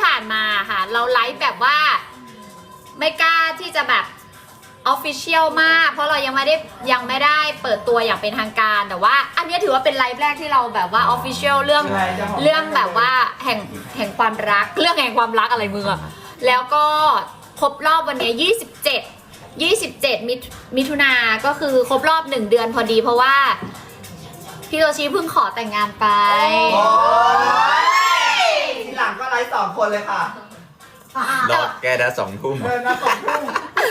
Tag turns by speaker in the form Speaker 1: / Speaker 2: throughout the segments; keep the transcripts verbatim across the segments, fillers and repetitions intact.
Speaker 1: ผ่านมาค่ะเราไลฟ์แบบว่าไม่กล้าที่จะแบบออฟฟิเชียลมากเพราะเรายังไม่ได้ยังไม่ได้เปิดตัวอย่างเป็นทางการแต่ว่าอันนี้ถือว่าเป็นไลฟ์แรกที่เราแบบว่าออฟฟิเชียลเรื่องเรื่องแบบว่าแห่งแห่งความรักเรื่องแห่งความรักอะไรมึงอะแล้วก็ครบรอบวันนี้ยี่สิบเจ็ด ยี่สิบเจ็ดมิมิถุนาก็คือครบรอบหนึ่งเดือนพอดีเพราะว่าพี่โตชิเพิ่งขอแต่งงานไป
Speaker 2: ทีหลังก็ไลฟ์สองคนเลยค่ะ
Speaker 3: รอแกได้สองทุ่ม
Speaker 2: เดินมาสองทุ่ม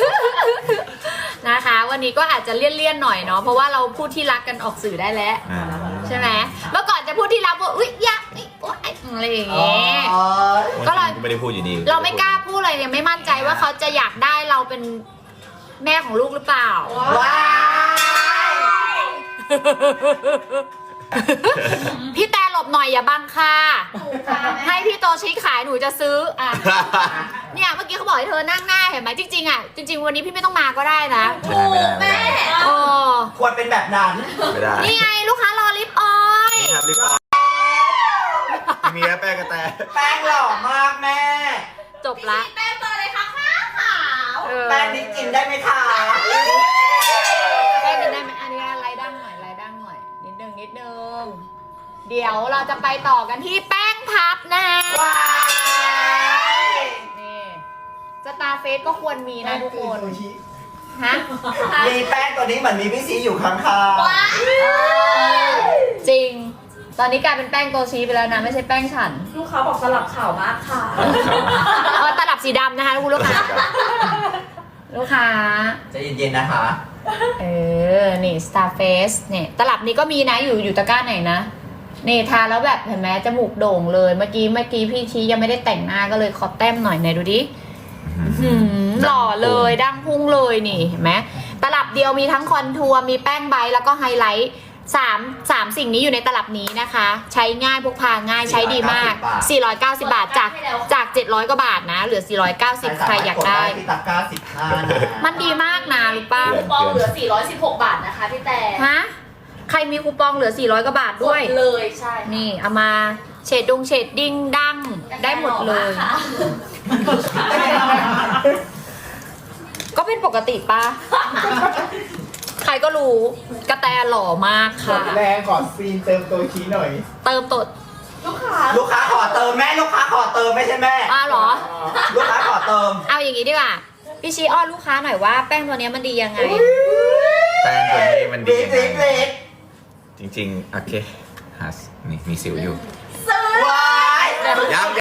Speaker 1: นะคะวันนี้ก็อาจจะเลี่ยนๆหน่อยเนาะเพราะว่าเราพูดที่รักกันออกสื่อได้แล้วใช่ไหมเมื่อก่อนจะพูดที่รักว่าอุ๊ยยักอะไรอย่างเงี้ยก็เรา
Speaker 3: ไม่ได้พูดอยู่ดี
Speaker 1: เราไม่กล้าพูดอะไรยังไม่มั่นใจว่าเขาจะอยากได้เราเป็นแม่ของลูกหรือเปล่า
Speaker 2: ว้าย
Speaker 1: พี่แต่หลบหน่อยอย่าบังค่ะให้พี่โตชิขายหนูจะซื้ออ่ะเนี่ยเมื่อกี้เขาบอกให้เธอนั่งหน้าเห็นไหมจริงๆอ่ะจริงๆวันนี้พี่ไม่ต้องมาก็ได้นะ
Speaker 3: ไม่ได้ไม่ได้ไม่ได้
Speaker 1: โอ้
Speaker 2: ควรเป็นแบบนั้น
Speaker 3: ไม่ได้
Speaker 1: นี่ไงลูกค้ารอลิปออย
Speaker 3: นี่ครับรีบออกมีแป้งกระแต
Speaker 2: แป้งหล่อมากแม่
Speaker 1: จบละ
Speaker 4: แป้งเบอร์เลยค่ะขาวขาว
Speaker 2: แป้งนี้กินได้ไหมคะ
Speaker 1: แป้งกินได้ไหมอันนี้ไล่ดั้งหน่อยไล่ดั้งหน่อยนิดนึงนิดนึงเดี๋ยวเราจะไปต่อกันที่แป้งพับนะ
Speaker 2: ว้าย
Speaker 1: นี่สตาร์เฟสก็ควรมีนะทุกคนฮะ
Speaker 2: มีแป้งตัวนี้เหมือนมีพี่ซีอยู่ข้าง
Speaker 1: จริง ตอนนี้กลายเป็นแป้งโตชีไปแล้วนะไม่ใช่แป้งฉัน
Speaker 4: ลูกค้าบอกสลับขาวมากค่ะ
Speaker 1: เออตลับสีดำนะคะคุณลูกค้าลูกค้า
Speaker 2: ๆใจเย็นๆนะคะ
Speaker 1: เออ นี่ Starface เนี่ยตลับนี้ก็มีนะอยู่อยู่ตะกร้าไหนนะ นี่ทาแล้วแบบเห็นไหมจมูกโด่งเลย เมื่อกี้เมื่อกี้พี่ชี้ยังไม่ได้แต่งหน้าก็เลยขอแต้มหน่อยไหนดูดิหืมหล่อเลยดั้งพุ่งเลยนี่เห็นไหมตลับเดียวมีทั้งคอนทัวร์มีแป้งใบแล้วก็ไฮไลท์สามสามสิ่งนี้อยู่ในตลับนี้นะคะ ใช้ง่ายพกพาง่ายใช้ดีมาก สี่ร้อยเก้าสิบบาทจากจากเจ็ดร้อยกว่าบาทนะเหลือสี่ร้อยเก้าสิบใครอยากได้
Speaker 2: ที่ตะกร้าสิบห้านะ
Speaker 1: มันดีมากนะรู้ป่ะ
Speaker 4: คูปองเหลือสี่ร้อยสิบหกบาทนะคะพี่แต่
Speaker 1: ฮะใครมีคูปองเหลือสี่ร้อยกว่าบาทด้วย
Speaker 4: เลยใช่
Speaker 1: นี่เอามาเฉดดงเฉดดิ้งดั้งได้หมดเลย ก็เป็นปกติปะใครก็รู้กระแตหล่อมาก
Speaker 5: ก
Speaker 1: ค่ะ
Speaker 5: ดแรงก่อนซีนเติมตัวชี้หน่อย
Speaker 1: เติมตด
Speaker 4: ลูกค้า
Speaker 2: ลูกค้าขอเติมแม่ลูกค้าขอเติมไม่ใช่แม่
Speaker 1: อ้าวเหรอ
Speaker 2: ลูกค้าขอเติม
Speaker 1: เอาอย่างนี้ดีกว่าพี่ชี้อ้อนลูกค้าหน่อยว่าแป้งตัวนี้มันดียังไง
Speaker 3: แป้งตัวนี้มันดี
Speaker 2: บิ๊ก
Speaker 3: ยัง
Speaker 2: บิ๊ก
Speaker 3: ไง
Speaker 2: บิ๊ก
Speaker 3: จริงๆโอเคหานี่มีสิวอยู่
Speaker 2: ว้าย
Speaker 3: ยัง